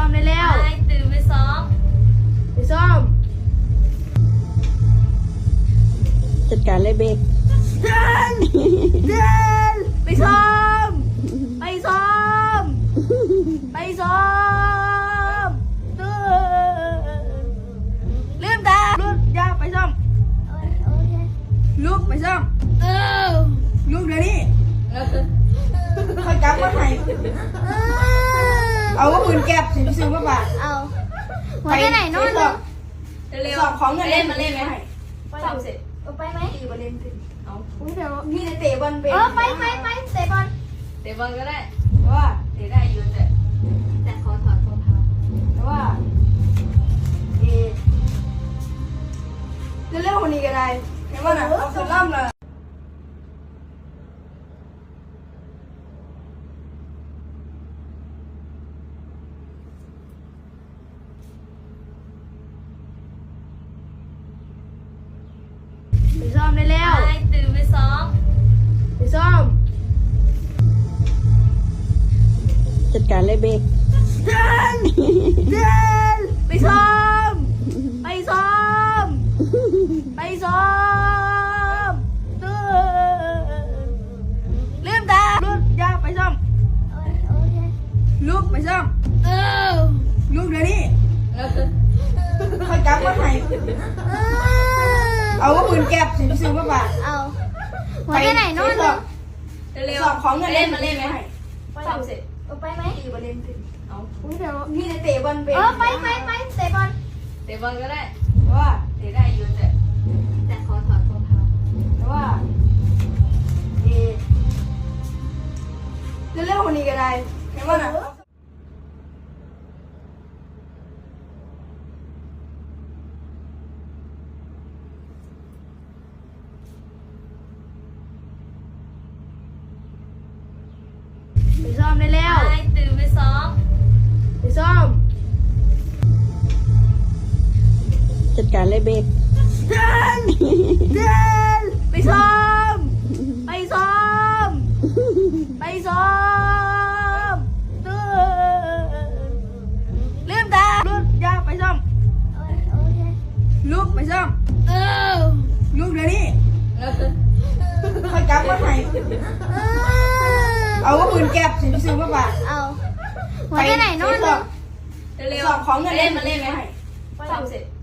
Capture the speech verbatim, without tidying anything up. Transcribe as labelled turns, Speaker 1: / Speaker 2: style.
Speaker 1: มได้แล้ว
Speaker 2: ไปตื่นไปซ้อม
Speaker 1: ไปซ้อม
Speaker 3: จัดการเลยเบก
Speaker 1: เดินเดินไปซ้อมไปซ้อมไปซ้อมตื่นลืมตาลุกอย่าไปซ้อมลุกไปซ้อมเออลุกเดี๋ยวนี้คอยจับมาให้เอาว่าปืนแก๊ปสิซื้อมาบ่าเอาไปไหนโน่น
Speaker 2: เร็ว
Speaker 1: สอบของเงินเล่นมาเล่นไหม
Speaker 2: สอบเสร็จ
Speaker 1: ไปไหมตีบอลเล่นสิเอาเดี๋ยวพี่จะเตะบอลเป็น
Speaker 4: เออไปไปไปเตะบอล
Speaker 2: เตะบอลก็ได้
Speaker 1: ว่า
Speaker 2: เตะได้อยู่แต่แต่ขอถอดรองเท้า
Speaker 1: ว่าเอเร็วๆวันนี้ก็ได้เห็นว่าน่ะเอาสุดล่ำเลยไปซ้อมได้แล้ว
Speaker 2: ไปตื่นไปซ้อม
Speaker 1: ไปซ้อม
Speaker 3: จัดการเลยเบก
Speaker 1: เดินเดินไปซ้อมไปซ้อมไปซ้อมตื่นลืมตาลุกอย่าไปซ้อมลุกไปซ้อมเออลุกเดี๋ยวนี้คอยจับมาให้เอาว่าปืนแก๊ปสิซื้อมาบ่า
Speaker 4: เอาไปไหนโน่น
Speaker 2: เร็ว
Speaker 1: สอบของเงินเล่นมาเล่นไหม
Speaker 2: สอบเสร็จ
Speaker 4: ไปไหม
Speaker 1: ตีบอลเล่นสิเอา
Speaker 4: เดี๋ยว
Speaker 1: พี่จะเตะบอลเป็น
Speaker 4: เออไปไปไปเตะบอล
Speaker 2: เตะบอลก็ได้
Speaker 1: ว่า
Speaker 2: เตะได้อยู่แต่แต่ขอถอดรองเท้า
Speaker 1: ว่าเอเร็วๆวันนี้ก็ได้เห็นว่าน่ะไปซ้อมได้แล้ว
Speaker 2: ไปตื่นไปซ้อม
Speaker 1: ไปซ้อม
Speaker 3: จัดการเลยเบก
Speaker 1: เดินเดินไปซ้อมไปซ้อมไปซ้อมตื่นลืมตาลุกอย่าไปซ้อมลุกไปซ้อมเออลุกเดี๋ยวนี้คอยจับมาให้เอาว่าปืนแก๊ปสิซื้อมาบ่า
Speaker 4: เอาไปไหนโน่น
Speaker 1: สอบ
Speaker 2: เร็ว
Speaker 1: สอบของเงินเล่นมาเล่นไหม
Speaker 2: สอบเสร็จ